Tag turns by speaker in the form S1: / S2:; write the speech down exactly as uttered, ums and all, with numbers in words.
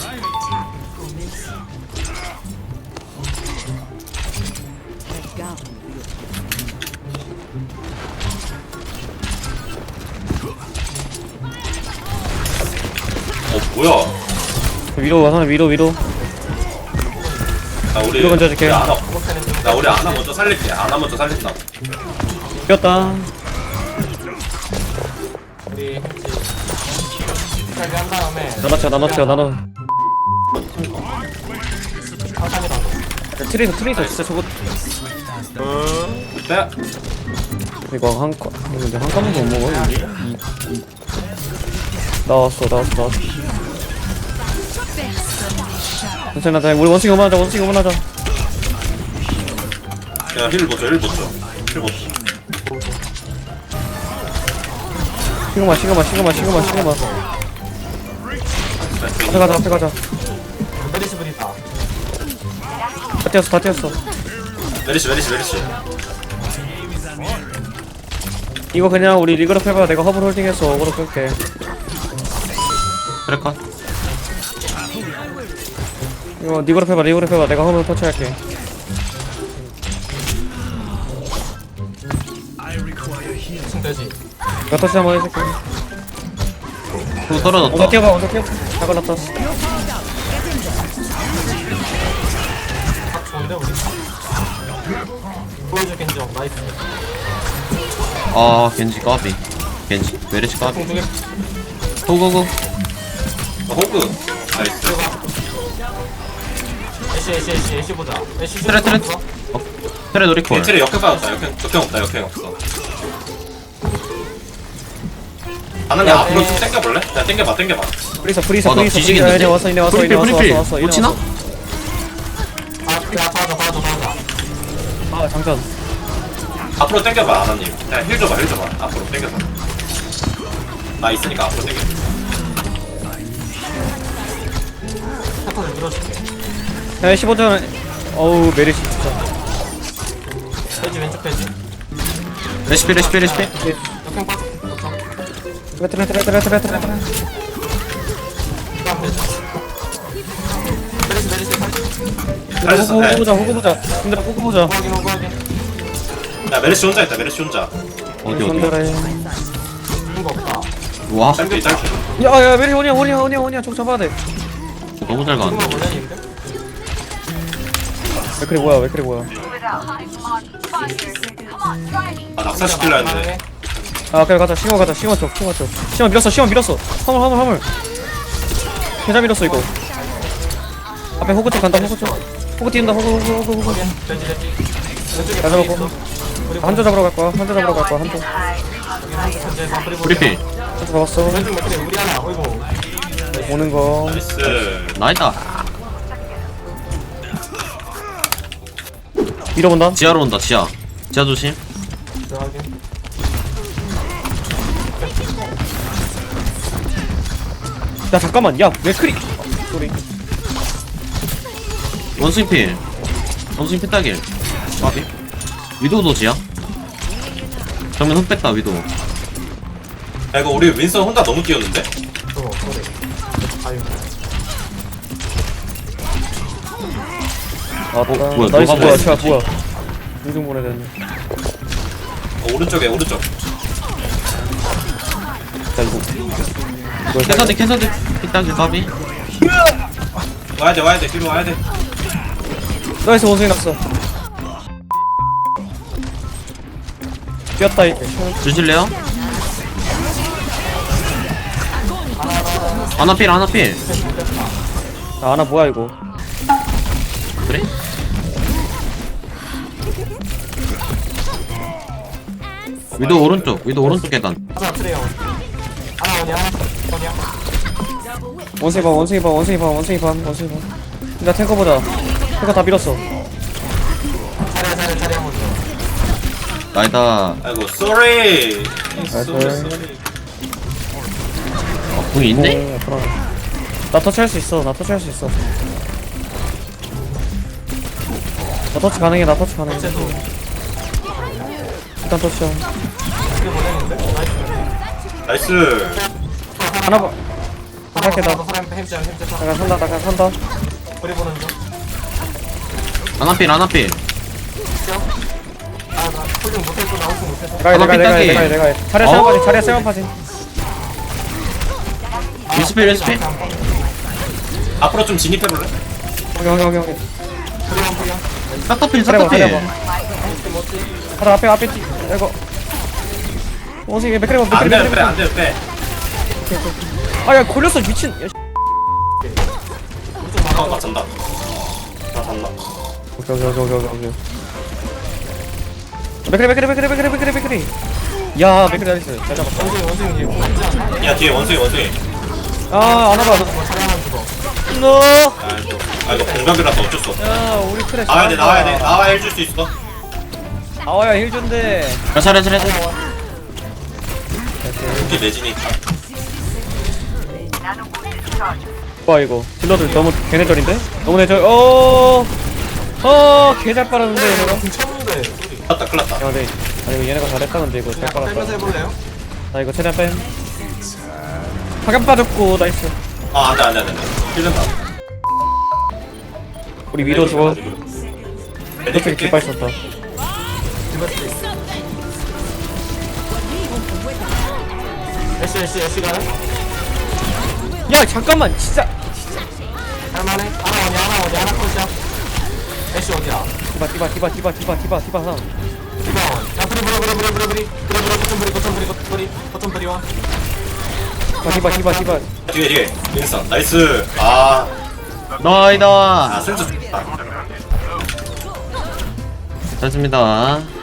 S1: 어 뭐야?
S2: 위로 와서 위로 위로.
S1: 나 우리
S2: 위로 던져줄게.
S1: 우리 아나 나 우리 아나 먼저 살릴게. 아나 먼저 살린다.
S2: 뛰었다.
S3: 우리 햄찌 살게 한 다음에
S2: 나눠쳐 나눠쳐 나눠.
S3: 상상이라도
S2: 트레이서 트레이서 진짜 저거
S1: 빼.
S2: 이거 한 건, 근데 한 건도 못 먹어. 이, 이, 이. 나왔어, 나왔어, 나왔어. 괜찮아, 자, 우리 원숭이 오만하자, 원숭이 오만하자.
S1: 야, 힐 보죠, 힐 보죠. 힐 보죠.
S2: 시그마, 시그마, 시그마, 시그마, 시그마. 앞에 가자, 앞에 가자.
S3: 메리스 브리다
S2: 다 뛰었어, 다 뛰었어.
S1: 메리시, 메리시, 메리시.
S2: 이거 그냥 우리 리그럽 해봐. 내가 허블 홀딩해서 어그로 끌게.
S4: 그래 컷.
S2: 이거 리그럽 해봐, 리그럽 해봐. 내가 허블 터치할게.
S3: 지금 되지
S2: 내가 터치 한번 해줄게.
S4: 또
S2: 원서
S4: 떨어졌다.
S2: 뛰어봐, 원서 뛰어봐. 다 걸렸다.
S3: 딱 좋은데 우리 보여줄 겐지형 나이스
S4: 아 겐지 까비. 겐지 메르시 까비.
S3: 공중에
S4: 고고고.
S1: 어, 호그. 나이스.
S3: 애쉬 애쉬 애쉬 애쉬 보자 애쉬
S4: 트레 트레. 어, 트레 노리콜.
S1: 겐트리 역행 빠졌다. 역행, 역행 없다, 역행 없어. 아나님
S2: 야,
S1: 앞으로
S3: 에.
S1: 좀 당겨볼래? 야, 당겨봐, 당겨봐.
S2: 프리서, 프리서,
S4: 아, 나
S2: 프리서.
S4: 뒤지겠는데?
S2: 이제 왔어, 이제 왔어, 이제
S4: 프리필
S2: 왔어,
S4: 프리필.
S2: 왔어, 왔어.
S4: 못 치나?
S3: 아 야, 봐줘 봐줘 봐줘
S2: 아, 장전.
S1: 앞으로 당겨봐, 아나님. 야, 힐 줘봐, 힐 줘봐. 앞으로 당겨서. 나 있으니까 앞으로 당겨.
S3: 패턴을 밀어줄게
S2: 야, 십오 전. 어우, 메리시 진짜.
S3: 돼지 왼쪽 돼지
S4: 레시피 레시피 레시피.
S3: 역행 빠져
S2: 트레, 트레, 트레, 트레, 트레, 트레, 트레.
S3: 그다음 돼지 메리스 메리스
S1: 잘했어.
S2: 호구
S1: 네.
S2: 보자, 호구 보자. 근데 호구 보자.
S3: 호박이 호박이
S1: 야, 메리시 혼자 있다, 메리시 혼자.
S4: 어디 어디.
S2: 손들어요.
S3: 죽는 거 없다
S4: 와
S1: 짧게, 짧게.
S2: 야, 야, 메리 오냐, 오냐, 오냐, 오냐. 쪽 잡아야 돼.
S4: 너무 잘 가는데.
S3: 죽으면 원래인데
S2: 왜 그래 뭐야, 왜 그래 뭐야.
S1: 아, 낙사시키려 했는데.
S2: 아, 그래 가자. 시원 가자. 시원 쪽, 시원 쪽. 시원 밀었어, 시원 밀었어. 화물, 화물, 화물. 계좌 밀었어 이거. 앞에 호구 쪽 간다, 호구 쪽. 호구 뛴다, 호구, 호구, 호구, 호구.
S3: 돼지 돼지 왼쪽에
S2: 다
S3: 브리
S2: 잡았고.
S3: 있어. 우리
S2: 한조 잡으러 갈 거야. 한조 잡으러 갈 거야. 한조.
S3: 여기 한쪽 현재에서 브리
S4: 프리필.
S2: 한조 잡았어.
S3: 왼쪽 맥크리 우리 하나 어이구
S2: 오는 거.
S1: 나이스.
S4: 나이다.
S2: 밀어본다.
S4: 지하로 온다 지하. 지하 조심.
S3: 들어가게
S2: 야 잠깐만. 야 맥크리. 소리.
S4: 원숭이 필. 원숭이 필 따길. 까비. 위도우도 지하. 정면 흑 뺐다 위도우.
S1: 야, 이거 우리 윈선 혼자 너무 뛰었는데?
S3: 어 그래 아유
S2: 아,
S4: 어,
S2: 나,
S4: 뭐야,
S2: 나이스
S4: 너가
S2: 뭐야.
S4: 뭐야,
S2: 자 뭐야. 공중 보내야 되네.
S1: 어, 오른쪽에, 오른쪽.
S2: 자 이거.
S4: 캐서드 캐서드 필 따길 까비.
S1: 와야 돼, 와야 돼, 뒤로 와야 돼.
S2: 나이스 원숭이 났어. 뛰었다 이거.
S4: 주실래요? 하나 필 하나 필.
S2: 아, 하나 뭐야 이거.
S4: 그래? 위도 오른쪽 위도 오른쪽 계단.
S3: 하나 트레이어 하나 오냐 오냐
S2: 원숭이 봐, 원숭이 봐, 원숭이 봐, 원숭이 봐, 원숭이 봐. 나 탱커 보자. 탱커 다 밀었어.
S3: 차례 차례 차례 한번 더
S4: 나이다.
S1: 아이고, 쏘리.
S2: 나이스.
S1: 쏘리, 쏘리.
S4: 어, 궁이 있네?
S2: 오, 그럼. 나 터치할 수 있어. 나 터치할 수 있어. 나 터치 가능해. 나 터치 가능해.
S3: 쟤도
S2: 일단 터치야.
S3: 이게 보내는데 나이스
S1: 나이스.
S2: 하나 봐.
S3: 하나
S2: 살게 나.
S3: 사람 햄자 햄자 사.
S2: 잠깐 산다 잠깐 산다.
S3: 뿌리 보는 중.
S4: 아나필 아나필
S3: 아나 홀링 못했고 나오지 못해서.
S2: 내가 해, 내가 해, 내가 해, 내가 해, 내가 해. 자리야 세번
S4: 어?
S2: 빠진 자리야 세번 빠진.
S4: 리스필 리스필
S1: 앞으로 좀 진입해볼래?
S2: 오케이 오케이 오케이 오케이.
S3: 뿌리원 뿌리원.
S4: 싹다필
S2: 자리야 봐 자리야
S4: 싹다필
S2: 봐. 하나 앞에 앞에 뛰. 이거. 원숭이 맥크리 봐
S1: 안
S2: 맥크리
S1: 돼, 빼, 안 돼, 빼.
S2: 아야 걸렸어 미친. 야, 씨.
S1: 어, 나 잔다. 나 잔다.
S2: 오케이 오케이 오케이 오케이 오케이. 맥크리 맥크리 맥크리 맥크리 맥크리 맥크리. 야 맥크리 나이스. 잘 잡았다.
S3: 원숭이 원숭이 얘 공지 않아?
S1: 야, 뒤에 원숭이, 원숭이.
S2: 아 안아봐.
S3: 뭐 차량만 죽어.
S2: 너.
S1: 아, 또. 아, 이거 공격이라서 어쩔 수 없어.
S2: 야 우리 트레.
S1: 나와야 돼, 나와야 돼. 나와야 해줄 수 있어.
S2: 나와야 힐 준대.
S4: 야 차례 차례 차례
S1: 특히 내진이 있다.
S2: 와 이거 딜러들 너무 개내절인데? 너무 내절. 어. 어 개잘 빨았는데 얘네가.
S3: 공 쳤는데.
S1: 큰일 났다, 큰일 났다.
S2: 야 근데 아니 이거 얘네가 잘했다 근데 이거 잘
S3: 그냥 빼면서
S2: 빨았다.
S3: 해볼래요?
S2: 나 이거 최대한 뺀. 파견 빠졌고 나이스.
S1: 아, 안 돼, 안 돼, 안 돼. 힐른다.
S2: 우리 위로 죽어.
S1: 네,
S2: 이렇게 깃발 썼다.
S3: 애쉬 애쉬 애쉬 가네?
S2: 야 잠깐만 진짜.
S3: 할만해? 하나 원이 하나 원이 하나 컷이야. 애쉬 어디야?
S2: 디바 디바 디바 디바 디바 디바 디바 하나.
S3: 디바원. 야 뿌리 뿌리 뿌리 뿌리 뿌리 뿌리 뿌리 뿌리 거점 뿌리 거점 뿌리 거점 뿌리 거점 뿌리 원.
S2: 디바 디바 디바 디바.
S1: 뒤에, 뒤에. 윈선. 나이스. 아,
S4: 나이다
S1: 아, 센스 좋다.
S4: 잘했습니다